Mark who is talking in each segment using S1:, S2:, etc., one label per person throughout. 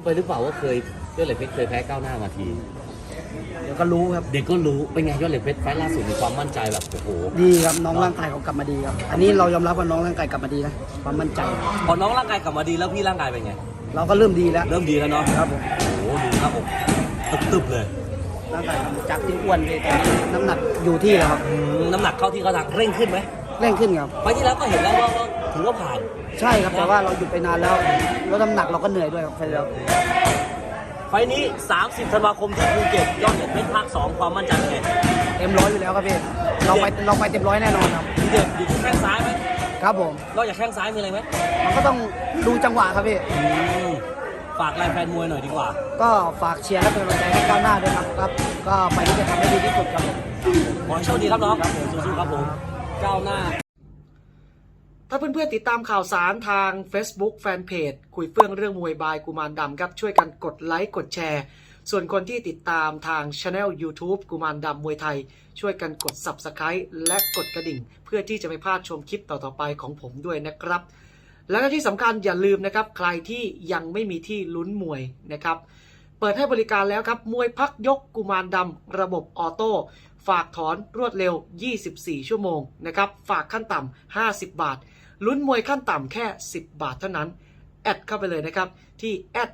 S1: ไปหรือเปล่าว่าเคยยอดเหล็กเพชรเคยแพ้ก้าวหน้ามาที
S2: เดี๋ยวก็รู้ครับ
S1: เด็กก็รู้เป็นไงยอดเหล็กเพชรไฟล์ล่าสุดมีความมั่นใจแบบโอ้โห
S2: ดีครับน้องร่างกายเขากลับมาดีครับ อันนี้เรายอมรับว่าน้องร่างกายกลับมาดีนะความมั่นใจ
S1: พอน้องร่างกายกลับมาดีแล้วพี่ร่างกายเป็นไง
S2: เราก็เริ่มดีแล้ว
S1: เริ่มดีแล้วเนาะ
S2: ครับผม
S1: โอ้โหดูหน้าอกตึบๆเลย
S2: ร่างกายจากที่อ้วนเลยตอนนี้น้ำหนักอยู่ที่แล้วครับ
S1: น้ำหนักเข้าที่เขาทางเร่งขึ้นไหม
S2: เร่งขึ้นครับ
S1: ไฟล์ที่แล้วก็เห็นแล้วว่าถือว่าผ่าน
S2: ใช่ครับแต่ว่าเราหยุดไปนานแล้วแล้วน้ำหนักเราก็เหนื่อยด้วยครับไปแล้ว
S1: ไฟล์นี้ 30 ธันวาคมที่ภูเก็ตยอดเหล็กเพชรภาค 2 ความมั่นใจเป็นไง
S2: เต็มร้อยอยู่แล้วครับพี่เราไปเต็มร้อยแน่นอนครับ
S1: ทีเด็ดอยู่ที่แข้งซ้ายไหม
S2: ครับผม
S1: นอกจากแข้งซ้ายมีอะไรไหม
S2: มันก็ต้องดูจังหวะครับพี่
S1: ฝากแรงแฟนมวยหน่อยดีกว่า
S2: ก็ฝากเชียร์และเป็นกำลังใจให้ก้าวหน้าด้วยครับครับ ก็ไปที่จะทำให้ดีที่สุดครับผม
S1: ขอให้โชคดีครับน้องสู้ๆครับผมก้าวหน้า
S2: ถ้าเพื่อนๆติดตามข่าวสารทาง Facebook Fanpage คุยเฟื่องเรื่องมวยบายกุมารดำครับช่วยกันกดไลค์กดแชร์ส่วนคนที่ติดตามทาง Channel YouTube กุมารดำมวยไทยช่วยกันกด Subscribe และกดกระดิ่งเพื่อที่จะไม่พลาดชมคลิปต่อๆไปของผมด้วยนะครับและที่สำคัญอย่าลืมนะครับใครที่ยังไม่มีที่ลุ้นมวยนะครับเปิดให้บริการแล้วครับมวยพักยกกุมารดำระบบออโต้ฝากถอนรวดเร็ว24ชั่วโมงนะครับฝากขั้นต่ำ50 บาทลุ้นมวยขั้นต่ำแค่10 บาทเท่านั้นแอดเข้าไปเลยนะครับที่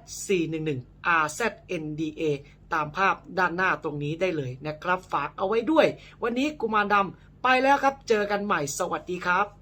S2: @411RZNDA ตามภาพด้านหน้าตรงนี้ได้เลยนะครับฝากเอาไว้ด้วยวันนี้กุมารดำไปแล้วครับเจอกันใหม่สวัสดีครับ